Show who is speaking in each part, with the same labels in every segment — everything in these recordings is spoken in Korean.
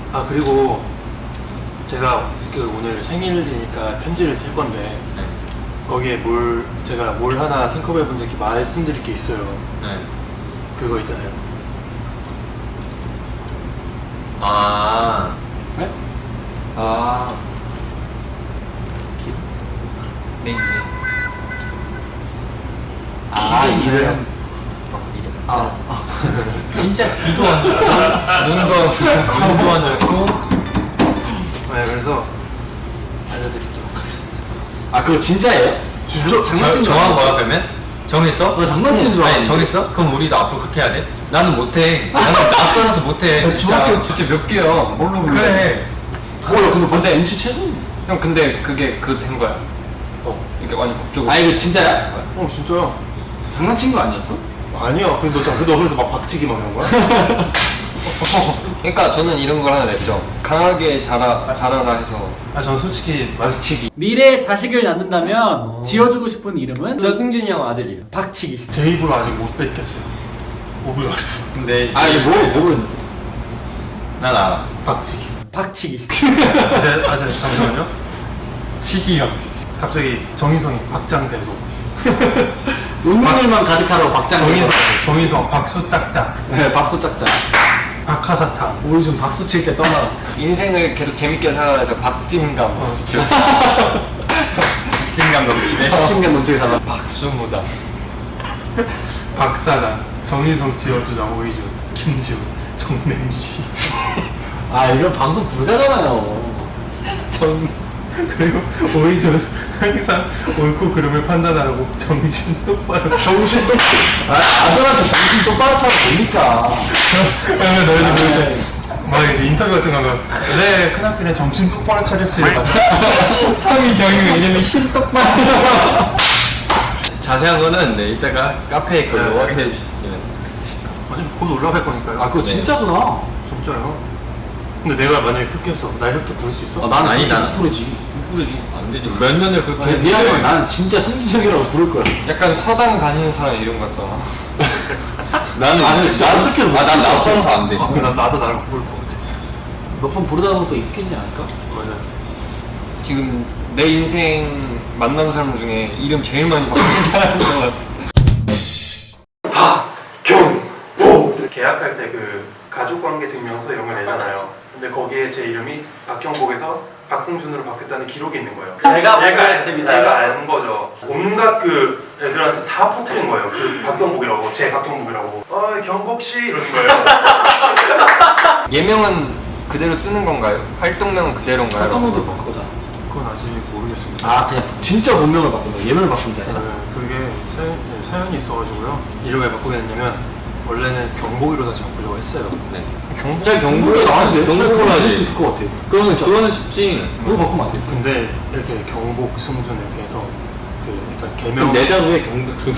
Speaker 1: 아 그리고 제가 그 오늘 생일이니까 편지를 쓸 건데
Speaker 2: 네.
Speaker 1: 거기에 제가 뭘 하나 팅커벨 분들께 말씀드릴 게 있어요.
Speaker 2: 네.
Speaker 1: 그거 있잖아요.
Speaker 2: 아.
Speaker 3: 네? 아.
Speaker 2: 네.
Speaker 3: 아, 이름.
Speaker 2: 이름.
Speaker 3: 아.
Speaker 2: 진짜 귀도 안 열고 눈도 귀도 안 열고.
Speaker 1: 네, 그래서 알려드리도록 하겠습니다.
Speaker 3: 아, 그거 진짜예요?
Speaker 1: 진짜
Speaker 3: 장난친 줄
Speaker 2: 정한
Speaker 3: 알았어.
Speaker 2: 거야 그러면? 정했어?
Speaker 3: 나 장난치는 줄
Speaker 2: 아니
Speaker 3: 알았는데.
Speaker 2: 정했어? 그럼 우리도 앞으로 그렇게 해야 돼? 나는 못해. 나는 낯설어서 못해. 진짜.
Speaker 3: 중학교 진짜 몇 개야? 뭘로 불러?
Speaker 2: 그래.
Speaker 3: 야, 근데 벌써 NC 최소?
Speaker 4: 형 근데 그게 된 거야? 이게 완전 법적으로.
Speaker 3: 아, 이거 진짜야?
Speaker 1: 진짜요?
Speaker 3: 장난친 거 아니었어?
Speaker 1: 아니야. 근데 너 그래서 막 박치기만 한 거야?
Speaker 4: 그러니까 저는 이런 걸 하나 냈죠. 강하게 자라라 해서
Speaker 1: 아 저는 솔직히
Speaker 4: 박치기.
Speaker 5: 미래에 자식을 낳는다면 지어주고 싶은 이름은?
Speaker 4: 저 승준이 형 아들 이름. 박치기.
Speaker 1: 제 입으로 아직 못 뱉겠어요. 오브가에서
Speaker 2: 근데
Speaker 3: 아, 이게 뭐를?
Speaker 2: 난 알아.
Speaker 1: 박치기.
Speaker 5: 박치기.
Speaker 1: 잠시만요. 치기형. 갑자기 정희성이 박장대소.
Speaker 3: 운명을만 가득하라고 박장.
Speaker 1: 정희성 박수 짝짝.
Speaker 3: 네, 박수 짝짝.
Speaker 1: 박하사탕.
Speaker 3: 우리 좀 박수 칠 때 떠나라.
Speaker 4: 인생을 계속 재밌게 살아라 해서 박진감.
Speaker 2: 진감 넘치네.
Speaker 3: 박진감 넘치게 살아.
Speaker 4: 박수무다.
Speaker 1: 박사장. 정희성 지어주자 오이준. 김지훈. 정냄시.
Speaker 3: 아, 이건 방송 불가잖아요.
Speaker 1: 그리고 오이준 항상 옳고 그름을 판단하라고 정신 똑바로.
Speaker 3: 정신 똑. 아들한테 정신 똑바로 차면 됩니까?
Speaker 1: 그러면 너희들 그럴 막 이제 인터뷰 같은 거 하면 네 크나크네 정신 똑바로 차렸어요.
Speaker 4: 상위 경영 이름이 힘 똑바로.
Speaker 2: 자세한 거는 네, 이따가 카페에 걸로
Speaker 1: 네.
Speaker 2: 확인해 주시면.
Speaker 1: 어차피 곧 올라갈 거니까요.
Speaker 3: 아, 그거 진짜구나.
Speaker 1: 진짜요? 근데 내가 만약에 그렇게 했어, 나 이렇게 부를 수 있어?
Speaker 3: 아, 나는
Speaker 2: 아니,
Speaker 3: 그렇게
Speaker 2: 나는-
Speaker 3: 못 부르지.
Speaker 2: 못 부르지. 안 되지. 몇 년을 그렇게
Speaker 3: 아니,
Speaker 2: 했는데.
Speaker 3: 미안해. 나는 진짜 승진석이라고 부를 거야.
Speaker 4: 약간 서당 다니는 사람 이름 같잖아.
Speaker 2: 나는
Speaker 3: 아, 근데 진짜 어떻게 못
Speaker 2: 난
Speaker 3: 부르겠어.
Speaker 2: 낯설어서 안 돼.
Speaker 1: 아, 그럼 나도 나랑 부를 것 같아.
Speaker 3: 몇 번 부르다 보면 또 익숙해지지 않을까?
Speaker 1: 맞아.
Speaker 4: 지금 내 인생 만난 사람 중에 이름 제일 많이 바꾼 사람인 것 같아.
Speaker 1: 계약할 때 그 가족관계 증명서 이런 거 내잖아요. 근데 거기에 제 이름이 박경복에서 박승준으로 바뀌었다는 기록이 있는 거예요.
Speaker 5: 제가 발견했습니다.
Speaker 1: 얘가 아는 거죠. 온갖 그 애들한테 다 퍼뜨린 거예요. 그 박경복이라고, 제 박경복이라고. 경복 씨 이러는 거예요.
Speaker 4: 예명은 그대로 쓰는 건가요? 활동명은 그대로인가요?
Speaker 3: 활동명도 바꿀 거잖아.
Speaker 1: 그건 아직 모르겠습니다.
Speaker 3: 아, 그냥 진짜 본명을 바꾼 거야. 예명을 바꾼 게 아니라.
Speaker 1: 그게 사연이 있어가지고요. 이름을 왜 바꾸게 됐냐면 원래는 경복이로 다시 바꾸려고 했어요.
Speaker 2: 네.
Speaker 3: 진짜 경북에 나왔는데
Speaker 2: 경북으로
Speaker 3: 할
Speaker 2: 하지.
Speaker 3: 수 있을 것 같아.
Speaker 2: 그거는 쉽지.
Speaker 3: 그거 바꾸면 안 돼.
Speaker 1: 근데 이렇게 경복, 승준 이렇게 해서 그 일단
Speaker 3: 그럼
Speaker 1: 개명
Speaker 3: 내자로에 경북수.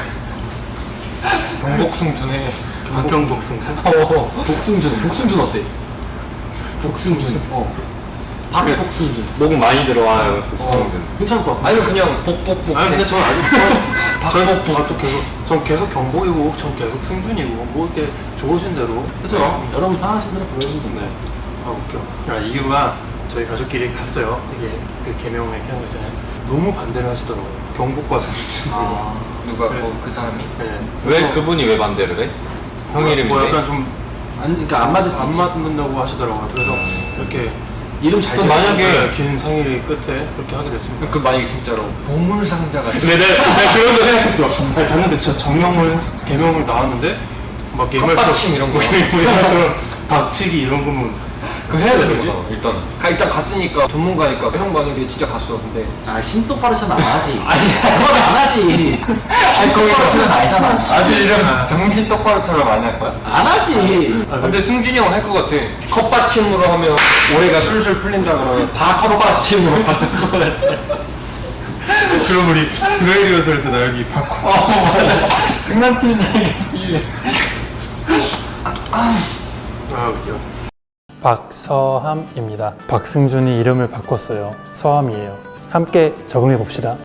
Speaker 4: 경복승준에
Speaker 1: 박경복 승준.
Speaker 3: 복승준 어때? 복승준. 박복승준.
Speaker 2: 목 많이 들어와요.
Speaker 3: 괜찮을 것 같아.
Speaker 4: 아니면 그냥 복복복.
Speaker 1: 아니 근데 전 아직 또 계속 계속 경복이고 전 계속 승준이고 뭐 이렇게 좋으신 대로.
Speaker 3: 그렇죠. 여러분 편하신 대로 부르시면
Speaker 1: 네.
Speaker 3: 됩니다.
Speaker 1: 아 웃겨. 이유가 저희 가족끼리 갔어요. 이게 그 개명을 이렇게 하는 거 있잖아요. 너무 반대를 하시더라고요. 경복과 승준.
Speaker 4: 누가
Speaker 1: 그래.
Speaker 4: 그 사람이?
Speaker 1: 네.
Speaker 2: 왜 그분이 왜 반대를 해? 형
Speaker 1: 뭐
Speaker 2: 이름인데.
Speaker 1: 약간 좀
Speaker 3: 아니, 그러니까 안 맞을 수
Speaker 1: 안
Speaker 3: 있지.
Speaker 1: 맞는다고 하시더라고요. 그래서 이렇게
Speaker 3: 이름 잘
Speaker 1: 또
Speaker 3: 지어.
Speaker 1: 만약에 긴 생일이 끝에 그렇게 하게 됐습니다.
Speaker 4: 그 만약에 진짜로 보물상자가
Speaker 1: 근데 내가 그런 거 생각했어. 아니, 봤는데 진짜 개명을 나왔는데 막
Speaker 4: 컵받침 이런 거.
Speaker 1: 옛날처럼 박치기 이런 거면
Speaker 4: 그거 해야 되는
Speaker 1: 거지?
Speaker 4: 거죠 일단. 일단 갔으니까 전문가니까 형 만약에 진짜 갔어 근데
Speaker 3: 아, 신똑바로 차는 안 하지. 그건 안 하지. 신똑바로 차는 알잖아.
Speaker 4: 아들 이름 정신 똑바로 차려 많이 할 거야?
Speaker 3: 안 하지.
Speaker 4: 근데 승준이 형은 할 것 같아. 컵받침으로 하면 올해가 술술 풀린다 그러면 컵받침으로 바꿀 것 같아.
Speaker 1: 그럼 우리 드라이 리허설 때 나 여기 바꿔.
Speaker 4: 맞아. 장난치는 줄 알겠지.
Speaker 1: 아 웃겨. 박서함입니다. 박승준이 이름을 바꿨어요. 서함이에요. 함께 적응해 봅시다.